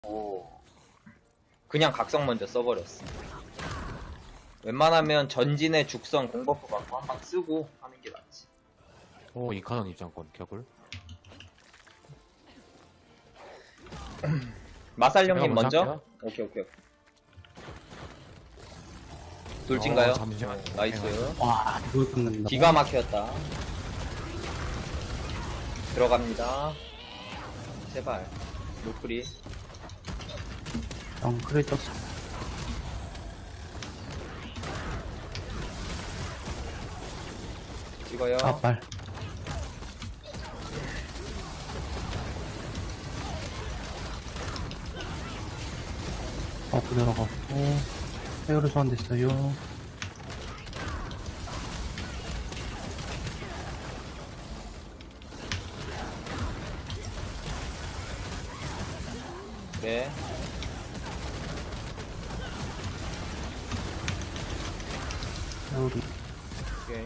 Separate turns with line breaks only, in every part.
오. 그냥 각성 먼저 써버렸어. 웬만하면 전진의 죽성 공버프 받고 한 방 쓰고 하는 게 낫지.
오, 이카non 입장권 격을.
마살령님
제가
먼저?
먼저
오케이. 돌진가요?
잠시만요.
나이스.
와, 이걸 끊는다.
기가 막혔다. 들어갑니다. 제발. 노프리.
그래 떴어.
찍어요.
말. 들어가고. 헤어를 소환됐어요.
네.
헤어리.
오케이.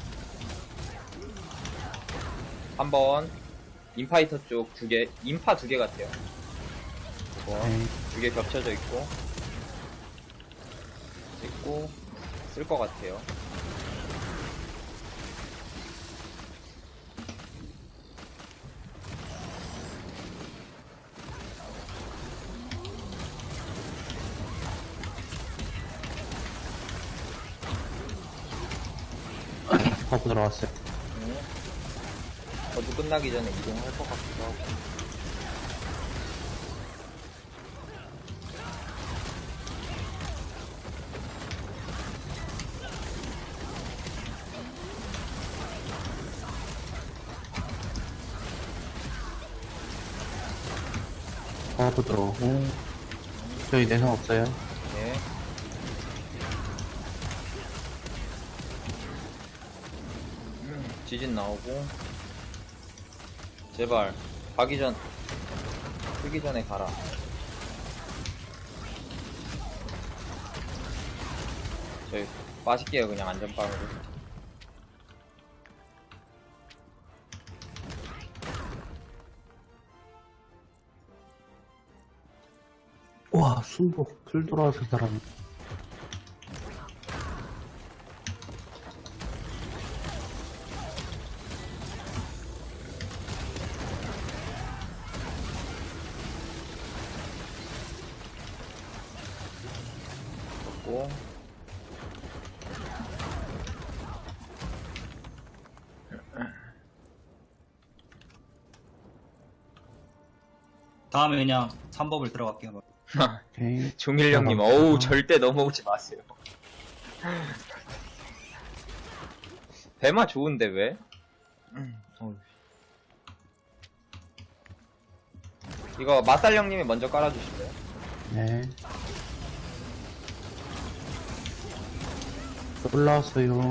한번 인파이터 쪽 두 개, 인파 두 개 같아요.
네.
두 개 겹쳐져 있고 찍고 쓸 것 같아요.
버프 들어왔어요.
저도 끝나기 전에 이동할 것 같기도 하고.
버프 들어오고. 저희 내성 없어요.
네. 지진 나오고. 제발 뜨기 전에 가라. 저희 빠질게요. 그냥 안전빵으로.
와, 순복. 풀 돌아와서 사람.
고.
다음에 그냥 3법을 들어갈게요.
오케이.
종일령님, 어우, 절대 넘어오지 마세요. 배마 좋은데, 왜? 어휴. 이거, 마살령님이 먼저 깔아주실래요?
네. 올라왔어요.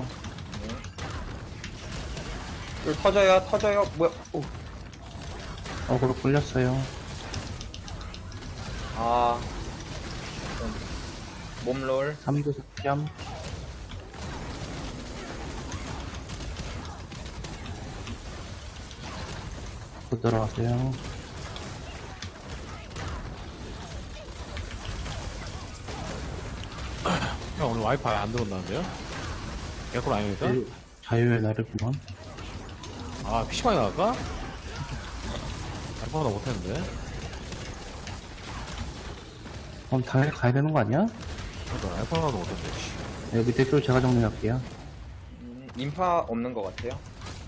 쫄 터져요. 뭐야, 오.
어그로 끌렸어요.
아. 몸롤.
3도 삭점. 또 들어왔어요.
형, 오늘 와이파이 안 들어온다는데요? 개꿀 아닙니까?
자유의 날이구만.
아, PC방에 나갈까? 알파보다 못했는데?
그럼 당연히 가야 되는 거 아니야?
그러니까 알파보다 못했는데, 씨.
여기 댓글 제가 정리할게요.
인파 없는 것 같아요.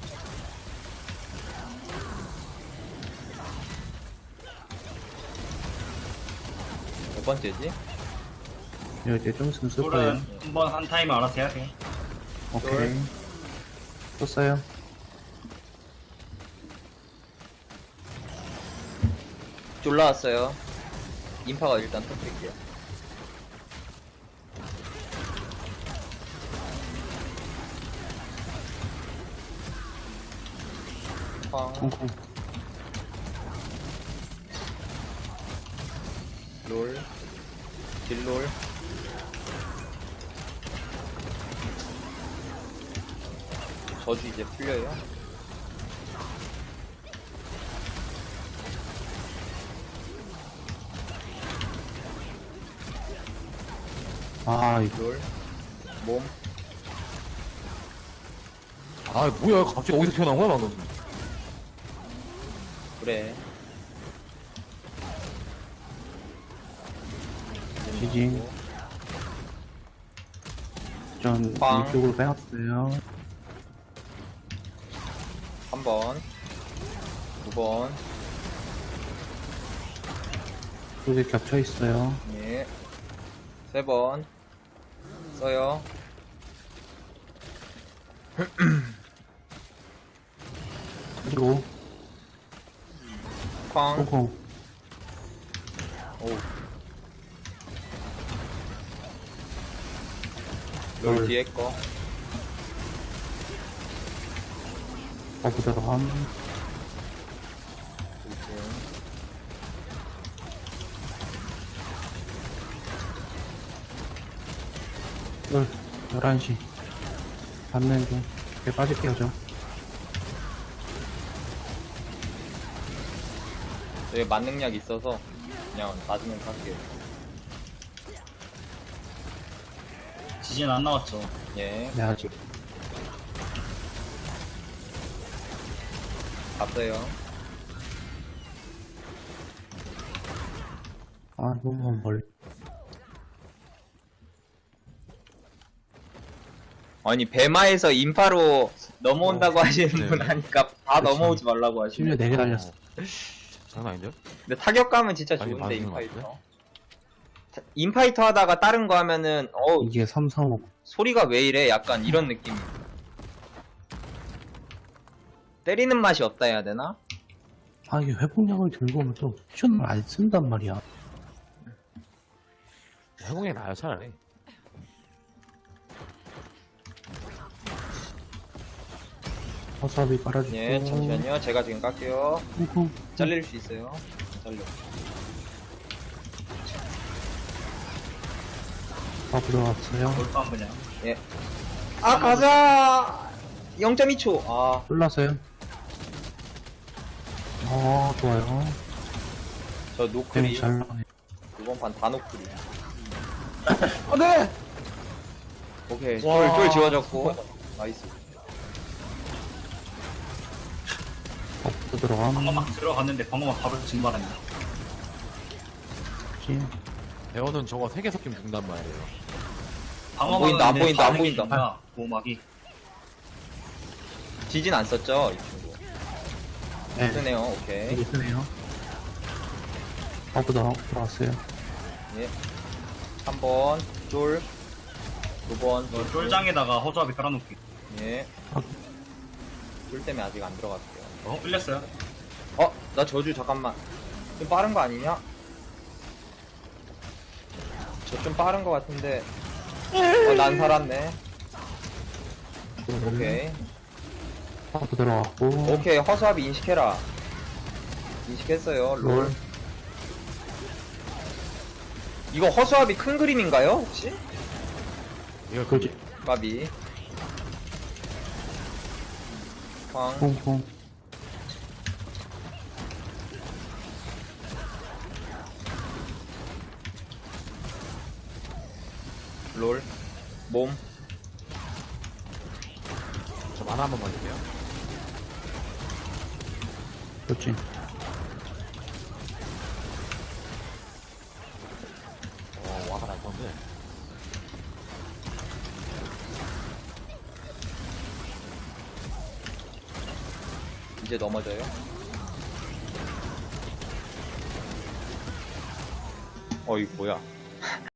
몇 번째지?
여기 좀 있으면 쓸 거예요.
쫄은 한번 한 타임 알아서 해야 돼.
오케이. 썼어요.
졸라왔어요. 인파가 일단 터뜨릴게요. 쾅,
콩콩.
롤, 딜롤. 저주 이제 풀려요.
아, 이거.
둘, 몸.
아, 뭐야. 갑자기 어디서 튀어나온 거야, 방금.
그래.
지진. 전
빵.
이쪽으로 빼놨어요.
3번, 2번,
두 개 겹쳐 있어요.
예, 3번, 써요.
그리고,
쾅,
콩콩.
오. 롤 뒤에 거.
버프대로 함. 열, 11시. 받는 중. 배 빠질게요, 저.
여기 만능약 있어서 그냥 맞으면 갈게요.
지진 안 나왔죠.
예,
네, 아직.
갔어요.
아, 너무 멀리.
아니 배마에서 인파로 넘어온다고 하시는
네.
분 하니까 다
그치.
넘어오지 말라고
심지어
하시네.
4개 달렸어.
장난 아닌데요?
근데 타격감은 진짜
아니,
좋은데
맞는 것
인파이터. 인파이터 하다가 다른 거 하면은
이게 3, 4, 5.
소리가 왜 이래? 약간 이런 느낌. 때리는 맛이 없다 해야 되나?
아, 이게 회복약을 들고 오면 또 쿠션을 안 쓴단 말이야.
해공이 나요, 차라리.
와사비 깔아주고.
예, 잠시만요. 제가 지금 깎게요.
콩콩.
잘릴 수 있어요. 잘려.
다 들어갔어요.
돌빵 그냥.
예. 아, 가자! 0.2초. 아,
올라서요. 좋아요.
저
그냥
노크리.
잘 나가네.
이번 판 다 노크리.
아, 네!
오케이.
와.
쫄 지워졌고. 나이스.
버프 들어감.
방어막 들어갔는데 방어막 바로 증발합니다.
진.
배어는 저거 3개 섞이면 죽는단 말이에요.
방어막은
보인다, 안
근데
보인다, 안
반응이
보인다.
좋다, 보호막이.
지진 안 썼죠? 이 친구.
네.
쓰네요. 오케이.
되게 쓰네요. 버프 들어왔어요.
예. 3번. 쫄. 2번.
이거 쫄장에다가 허수아비 깔아놓기.
예.
아.
쫄 때문에 아직 안 들어갔고요.
끌렸어요?
나 저주 잠깐만. 좀 빠른 거 아니냐? 저 좀 빠른 거 같은데. 난 살았네. 오케이.
버프 들어왔고.
오케이. 허수아비 인식해라. 인식했어요. 롤.
롤.
이거 허수아비 큰 그림인가요? 혹시?
이거
그지.
까비. 쾅.
콩콩.
롤. 몸.
저 만화 한 번만 주세요.
그렇지.
와가 날 건데.
이제 넘어져요. 이거 뭐야.